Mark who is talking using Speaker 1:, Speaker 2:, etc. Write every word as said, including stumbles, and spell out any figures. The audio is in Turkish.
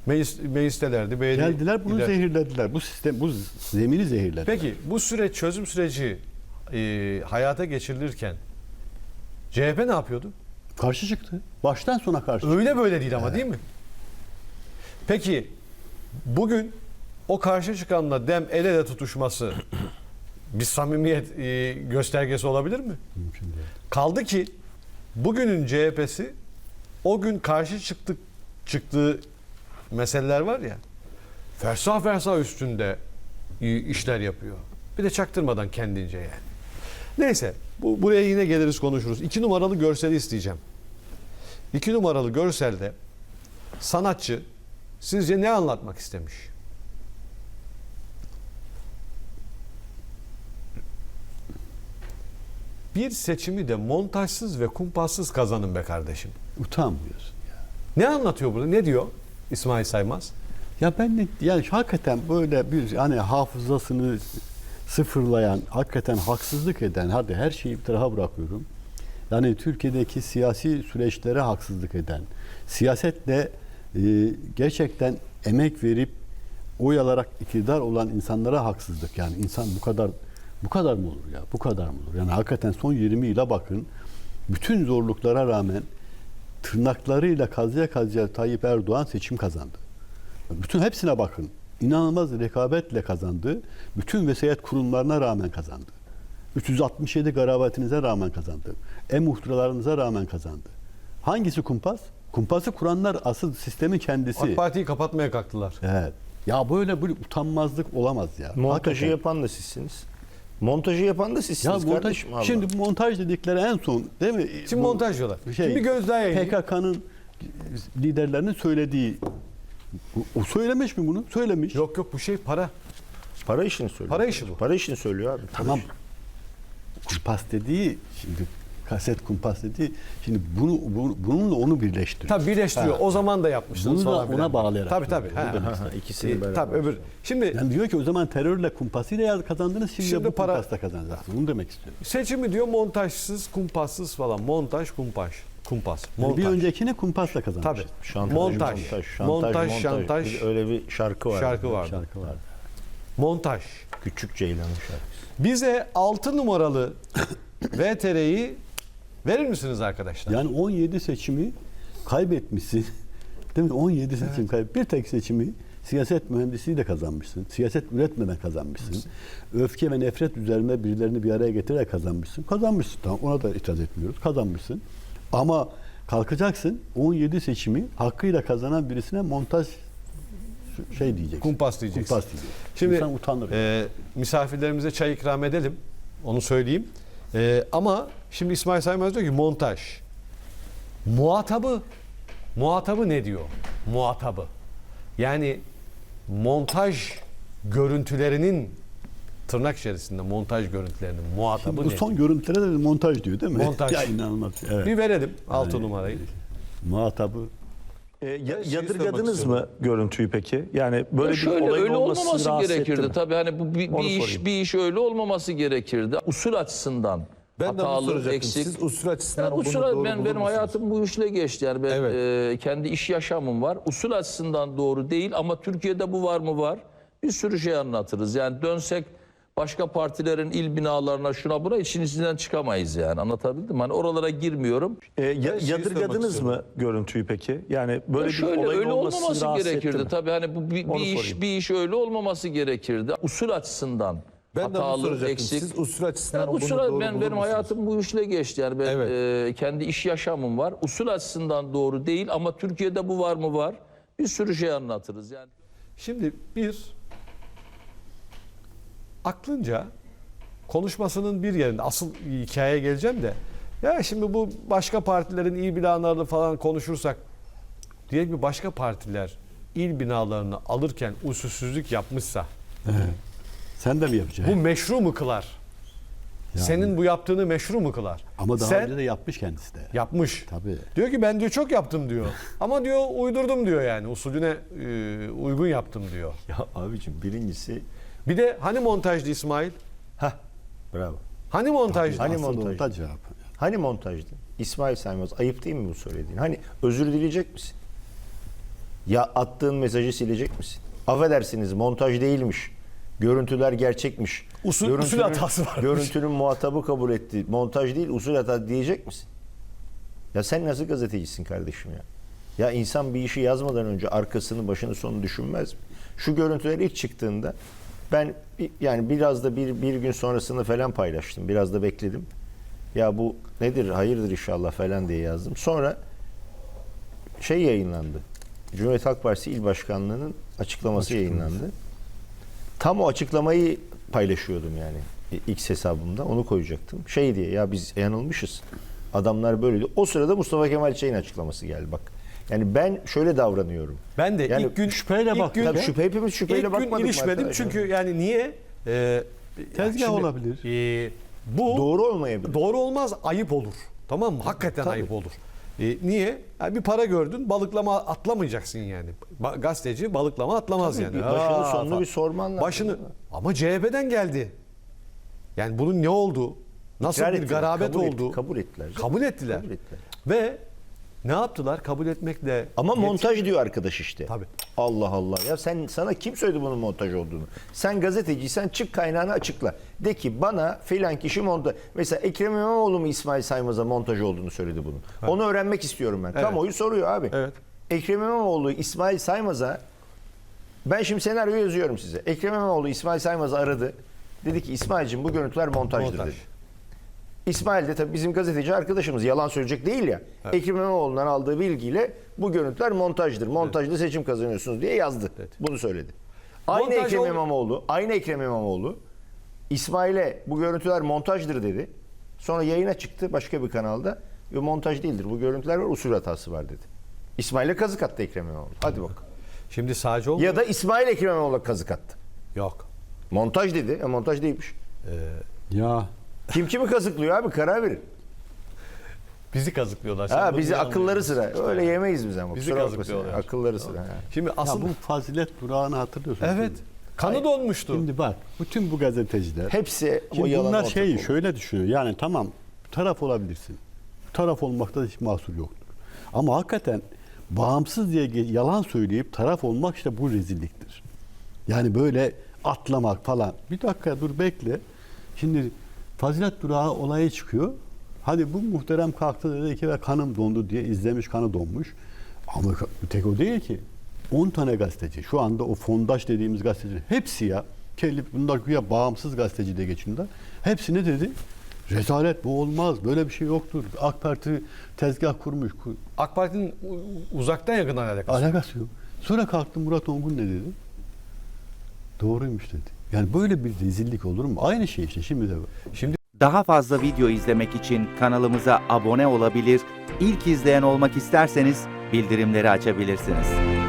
Speaker 1: Meclis, meclistelerdi. Beğeni,
Speaker 2: Geldiler bunu
Speaker 1: gider.
Speaker 2: zehirlediler. Bu sistem, bu zemini zehirlediler.
Speaker 1: Peki bu süreç, çözüm süreci e, hayata geçirilirken C H P ne yapıyordu?
Speaker 2: Karşı çıktı. Baştan sona karşı çıktı.
Speaker 1: Öyle böyle değil ama değil mi? Peki bugün o karşı çıkanla dem el ele tutuşması bir samimiyet e, göstergesi olabilir mi?
Speaker 2: Mümkün değil.
Speaker 1: Kaldı ki bugünün C H P'si o gün karşı çıktık çıktığı meseleler var ya, fersah fersah üstünde işler yapıyor. Bir de çaktırmadan kendince yani. Neyse bu, buraya yine geliriz konuşuruz. İki numaralı görseli isteyeceğim. İki numaralı görselde sanatçı sizce ne anlatmak istemiş? Bir seçimi de montajsız ve kumpassız kazanın be kardeşim.
Speaker 2: Utanmıyorsun ya.
Speaker 1: Ne anlatıyor burada? Ne diyor İsmail Saymaz?
Speaker 2: Ya ben de yani hakikaten böyle bir hani hafızasını sıfırlayan, hakikaten haksızlık eden, hadi her şeyi bir tarafa bırakıyorum. Yani Türkiye'deki siyasi süreçlere haksızlık eden, siyasetle e, gerçekten emek verip oy alarak iktidar olan insanlara haksızlık. Yani insan bu kadar bu kadar mı olur ya? Bu kadar mı olur? Yani hakikaten son yirmi yıla bakın. Bütün zorluklara rağmen tırnaklarıyla kazıya kazıya Tayyip Erdoğan seçim kazandı. Bütün hepsine bakın. İnanılmaz rekabetle kazandı. Bütün vesayet kurumlarına rağmen kazandı. üç yüz altmış yedi garabatinize rağmen kazandı. E-muhtıralarınıza rağmen kazandı. Hangisi kumpas? Kumpası kuranlar asıl sistemin kendisi.
Speaker 1: AK Parti'yi kapatmaya kalktılar.
Speaker 2: Evet. Ya böyle bir utanmazlık olamaz ya.
Speaker 3: Montajı
Speaker 2: Hakikaten.
Speaker 3: yapan da sizsiniz. Montajı yapan da
Speaker 2: Ya
Speaker 3: sizsiniz
Speaker 2: montaj,
Speaker 3: kardeşim. Allah.
Speaker 2: şimdi montaj dedikleri en son değil mi?
Speaker 1: Şimdi
Speaker 2: Bu
Speaker 1: montaj diyorlar.
Speaker 2: şey,
Speaker 1: Şimdi bir göz daha yayayım.
Speaker 2: P K K'nın liderlerinin söylediği. O söylemiş mi bunu? Söylemiş.
Speaker 1: Yok yok bu şey para.
Speaker 3: Para işini söylüyor.
Speaker 1: Para işi bu.
Speaker 3: Para işini söylüyor abi.
Speaker 2: Tamam. Kumpas dediği şimdi kaset kumpas dediği şimdi bunu, bunu bununla onu birleştiriyor.
Speaker 1: Tabii birleştiriyor.
Speaker 2: Ha.
Speaker 1: O zaman da yapmıştınız
Speaker 2: Bunu da
Speaker 1: falan
Speaker 2: ona
Speaker 1: filan.
Speaker 2: bağlayarak
Speaker 1: Tabii tabii.
Speaker 2: yapıyor.
Speaker 1: Ha.
Speaker 2: Onu
Speaker 3: Ha, ha, ikisini
Speaker 1: E,
Speaker 3: beraber.
Speaker 1: tabii öbür. Şimdi
Speaker 2: Yani diyor ki o zaman terörle kumpasıyla kazandınız şimdi,
Speaker 1: Şimdi
Speaker 2: de bu
Speaker 1: para-
Speaker 2: kumpasla kazanacaksınız. Bunu demek istiyorum.
Speaker 1: seçimi diyor montajsız, kumpassız falan. Montaj, kumpas. Kumpas.
Speaker 2: Yani
Speaker 1: Montaj.
Speaker 2: bir öncekine kumpasla kazanmış.
Speaker 1: Tabii.
Speaker 3: Şantaj,
Speaker 1: Montaj.
Speaker 3: montaj,
Speaker 1: Montaj, şantaj.
Speaker 3: Bir- Öyle bir şarkı var.
Speaker 1: Şarkı vardı.
Speaker 2: Şarkı vardı.
Speaker 1: Montaj.
Speaker 3: Küçük Ceylan'ın şarkısı.
Speaker 1: Bize altı numaralı V T R'yi verir misiniz arkadaşlar?
Speaker 2: Yani on yedi seçimi kaybetmişsin. Değil mi? on yedi seçim kayıp. Bir tek seçimi siyaset mühendisliğiyle kazanmışsın. Siyaset üretmeden kazanmışsın. Öfke ve nefret üzerine birilerini bir araya getirerek kazanmışsın. Kazanmışsın. Tamam, ona da itiraz etmiyoruz. Kazanmışsın. Ama kalkacaksın on yedi seçimi hakkıyla kazanan birisine montaj şey diyeceksin.
Speaker 1: Kumpas diyeceksin.
Speaker 2: Kumpas diyeceksin.
Speaker 1: Şimdi
Speaker 2: İnsan utanır.
Speaker 1: e, misafirlerimize çay ikram edelim. Onu söyleyeyim. E, ama şimdi İsmail Saymaz diyor ki montaj. Muhatabı muhatabı ne diyor? Muhatabı. Yani montaj görüntülerinin tırnak içerisinde montaj görüntülerinin muhatabı
Speaker 2: Bu
Speaker 1: ne?
Speaker 2: son görüntülere de montaj diyor değil mi?
Speaker 1: Montaj.
Speaker 2: Ya inanılmaz. Evet.
Speaker 1: Bir verelim altı
Speaker 2: Yani,
Speaker 1: numarayı.
Speaker 2: Muhatabı.
Speaker 4: E, ya-
Speaker 1: şey
Speaker 4: yadırgadınız
Speaker 1: sormak
Speaker 4: mı görüntüyü peki? Yani böyle
Speaker 5: Ya
Speaker 4: bir
Speaker 5: şöyle
Speaker 4: olayın
Speaker 5: öyle
Speaker 4: olması,
Speaker 5: olmaması
Speaker 4: sizi rahatsız etti
Speaker 5: gerekirdi.
Speaker 4: mi?
Speaker 5: Tabii hani bu bir,
Speaker 4: Onu
Speaker 5: bir iş
Speaker 4: sorayım.
Speaker 5: bir iş öyle olmaması gerekirdi. Usul açısından
Speaker 6: Ben de onu
Speaker 5: hatalı,
Speaker 6: soracaktım.
Speaker 5: eksik.
Speaker 6: Siz usul açısından
Speaker 5: Ya
Speaker 6: bunu
Speaker 5: usul,
Speaker 6: doğru
Speaker 5: ben
Speaker 6: bulur
Speaker 5: benim
Speaker 6: musunuz?
Speaker 5: hayatım bu işle geçti. Yani ben
Speaker 6: Evet.
Speaker 5: e, kendi iş yaşamım var. Usul açısından doğru değil ama Türkiye'de bu var mı var? Bir sürü şey anlatırız. Yani dönsek başka partilerin il binalarına şuna buna için içinden çıkamayız yani. Anlatabildim mi? Hani oralara girmiyorum.
Speaker 4: E, ya-
Speaker 6: şeyi sormak
Speaker 4: yadırgadınız
Speaker 6: istiyorum.
Speaker 4: mı görüntüyü peki? Yani böyle
Speaker 5: Ya
Speaker 4: bir
Speaker 5: şöyle
Speaker 4: olayın
Speaker 5: öyle
Speaker 4: olması, sizi
Speaker 5: olmaması
Speaker 4: rahatsız etti
Speaker 5: gerekirdi.
Speaker 4: mi?
Speaker 5: Tabii hani bu bir,
Speaker 4: Onu
Speaker 5: bir iş
Speaker 4: sorayım.
Speaker 5: bir iş öyle olmaması gerekirdi. Usul açısından
Speaker 6: Ben de onu
Speaker 5: hatalı,
Speaker 6: soracaktım.
Speaker 5: eksik.
Speaker 6: Siz usul açısından
Speaker 5: Yani
Speaker 6: bunu
Speaker 5: usul,
Speaker 6: doğru
Speaker 5: ben
Speaker 6: bulur
Speaker 5: benim
Speaker 6: musunuz?
Speaker 5: hayatım bu işle geçti. Yani ben
Speaker 6: Evet.
Speaker 5: e, kendi iş yaşamım var. Usul açısından doğru değil ama Türkiye'de bu var mı var? Bir sürü şey anlatırız yani.
Speaker 1: Şimdi bir aklınca konuşmasının bir yerinde asıl hikayeye geleceğim de ya şimdi bu başka partilerin il binalarını falan konuşursak diyelim ki başka partiler il binalarını alırken usulsüzlük yapmışsa
Speaker 2: Sen de mi
Speaker 1: bu
Speaker 2: yapacaksın?
Speaker 1: meşru mu kılar?
Speaker 2: Yani.
Speaker 1: Senin bu yaptığını meşru mu kılar?
Speaker 2: Ama daha
Speaker 1: Sen
Speaker 2: önce de yapmış kendisi de.
Speaker 1: yapmış.
Speaker 2: Tabii.
Speaker 1: Diyor ki ben diyor çok yaptım diyor. Ama diyor uydurdum diyor yani usulüne e, uygun yaptım diyor.
Speaker 3: Ya abicim birincisi
Speaker 1: Bir de hani montajdı İsmail?
Speaker 3: heh bravo.
Speaker 1: Hani montajdı?
Speaker 3: Hani
Speaker 2: Aslında
Speaker 3: montaj?
Speaker 2: montaj cevap.
Speaker 3: Hani montajdı? İsmail Saymaz ayıp değil mi bu söylediğin? Hani özür dileyecek misin? Ya attığın mesajı silecek misin? Affedersiniz, montaj değilmiş. Görüntüler gerçekmiş.
Speaker 1: Usul-
Speaker 3: Görüntünün-
Speaker 1: usul hatası varmış.
Speaker 3: Görüntünün muhatabı kabul etti. Montaj değil, usul hata diyecek misin? Ya sen nasıl gazetecisin kardeşim ya? Ya insan bir işi yazmadan önce arkasını, başını, sonunu düşünmez mi? Şu görüntüler ilk çıktığında ben yani biraz da bir, bir gün sonrasını falan paylaştım. Biraz da bekledim. Ya bu nedir, hayırdır inşallah falan diye yazdım. Sonra şey yayınlandı. Cumhuriyet Halk Partisi İl Başkanlığı'nın açıklaması yayınlandı. Tam o açıklamayı paylaşıyordum yani X hesabımda. Onu koyacaktım. Şey diye, ya biz yanılmışız. Adamlar böyleydi. O sırada Mustafa Kemal Çay'ın açıklaması geldi bak. Yani ben şöyle davranıyorum.
Speaker 1: Ben de
Speaker 3: Yani
Speaker 1: ilk gün
Speaker 2: şüpheyle
Speaker 1: ilk
Speaker 2: bak-
Speaker 1: gün,
Speaker 3: Tabii şüphe, hepimiz şüpheyle
Speaker 1: ilk gün
Speaker 3: bakmadık mı
Speaker 1: ilişmedim
Speaker 3: arkadaşlar?
Speaker 1: çünkü yani niye? Ee,
Speaker 2: Tezgah
Speaker 1: şimdi,
Speaker 2: olabilir.
Speaker 1: e, bu
Speaker 3: Doğru olmayabilir.
Speaker 1: Doğru olmaz, ayıp olur. Tamam mı? Hakikaten ayıp olur. E, niye? Yani bir para gördün, balıklama atlamayacaksın yani. Ba- gazeteci balıklama atlamaz
Speaker 3: Tabii
Speaker 1: yani.
Speaker 3: bir başını
Speaker 1: Aa,
Speaker 3: sonunu
Speaker 1: falan.
Speaker 3: bir sorman lazım.
Speaker 1: Başını ama C H P'den geldi. Yani bunun ne oldu? Nasıl
Speaker 3: İkrar
Speaker 1: bir
Speaker 3: ettiler,
Speaker 1: garabet
Speaker 3: kabul et-
Speaker 1: oldu?
Speaker 3: kabul ettiler.
Speaker 1: Kabul ettiler.
Speaker 3: Kabul ettiler.
Speaker 1: Ve ne yaptılar? Kabul etmekle
Speaker 3: Ama
Speaker 1: yet-
Speaker 3: montaj diyor arkadaş işte.
Speaker 1: Tabii.
Speaker 3: Allah Allah. Ya sen sana kim söyledi bunun montaj olduğunu? Sen gazeteciysen çık kaynağını açıkla. De ki bana filan kişi montaj. Mesela Ekrem İmamoğlu mu İsmail Saymaz'a montaj olduğunu söyledi bunun. Onu öğrenmek istiyorum ben.
Speaker 1: Evet.
Speaker 3: Kamuoyu soruyor abi.
Speaker 1: Evet.
Speaker 3: Ekrem İmamoğlu İsmail Saymaz'a ben şimdi senaryo yazıyorum size. Ekrem İmamoğlu İsmail Saymaz'ı aradı. Dedi ki İsmail'cim bu görüntüler montajdır
Speaker 1: Montaj.
Speaker 3: dedi. İsmail de tabii bizim gazeteci arkadaşımız, yalan söyleyecek değil ya. Ekrem İmamoğlu'ndan aldığı bilgiyle bu görüntüler montajdır. Montajda seçim kazanıyorsunuz diye yazdı. Bunu söyledi. Aynı
Speaker 1: Montaj
Speaker 3: Ekrem
Speaker 1: ol-
Speaker 3: İmamoğlu, aynı Ekrem İmamoğlu İsmail'e bu görüntüler montajdır dedi. Sonra yayına çıktı başka bir kanalda. Ve montaj değildir. Bu görüntüler var, usul hatası var dedi. İsmail'e kazık attı Ekrem İmamoğlu. Hadi bak.
Speaker 1: Şimdi sadece oldu.
Speaker 3: Ya da İsmail Ekrem İmamoğlu'na kazık attı.
Speaker 1: Yok.
Speaker 3: Montaj dedi. E, montaj değilmiş.
Speaker 2: Ya
Speaker 3: Kim kimi kazıklıyor abi, karar verin.
Speaker 1: Bizi kazıklıyorlar. Sen
Speaker 3: Ha
Speaker 1: bunu
Speaker 3: bizi
Speaker 1: niye
Speaker 3: akılları
Speaker 1: anlamıyorsun?
Speaker 3: sıra. Öyle yemeyiz biz ama.
Speaker 1: Bizi
Speaker 3: Kusura bakmasın.
Speaker 1: kazıklıyorlar.
Speaker 3: Akılları sıra. ha.
Speaker 1: Şimdi
Speaker 2: Ya
Speaker 1: asıl
Speaker 2: bu fazilet durağını hatırlıyorsun.
Speaker 1: evet. Kanı donmuştu.
Speaker 2: Şimdi bak bütün bu gazeteciler.
Speaker 3: Hepsi o
Speaker 2: Şimdi
Speaker 3: yalan
Speaker 2: bunlar
Speaker 3: ortak
Speaker 2: şeyi
Speaker 3: oldu.
Speaker 2: şöyle düşünüyor. Yani tamam taraf olabilirsin. Taraf olmakta hiç mahsur yoktur. Ama hakikaten bağımsız diye ge- yalan söyleyip taraf olmak işte bu rezilliktir. Yani böyle atlamak falan. Bir dakika dur bekle. Şimdi fazilet durağı olayı çıkıyor. Hadi bu muhterem kalktı dedi ki ve kanım dondu diye izlemiş, kanı donmuş. Ama tek o değil ki. on tane gazeteci. Şu anda o fondaş dediğimiz gazeteciler hepsi ya. Kelli, bunlar güya bağımsız gazeteci de geçiyorlar. Hepsi ne dedi? Rezalet, bu olmaz. Böyle bir şey yoktur. AK Parti tezgah kurmuş. Ku-
Speaker 1: AK Parti'nin u- uzaktan yakından alakası.
Speaker 2: Alakası yok. Sonra kalktı Murat Ongun ne dedi? Doğruymuş dedi. Yani böyle bir rezillik olur mu? Aynı şey işte şimdi de.
Speaker 1: Şimdi
Speaker 6: Daha fazla video izlemek için kanalımıza abone olabilir, ilk izleyen olmak isterseniz bildirimleri açabilirsiniz.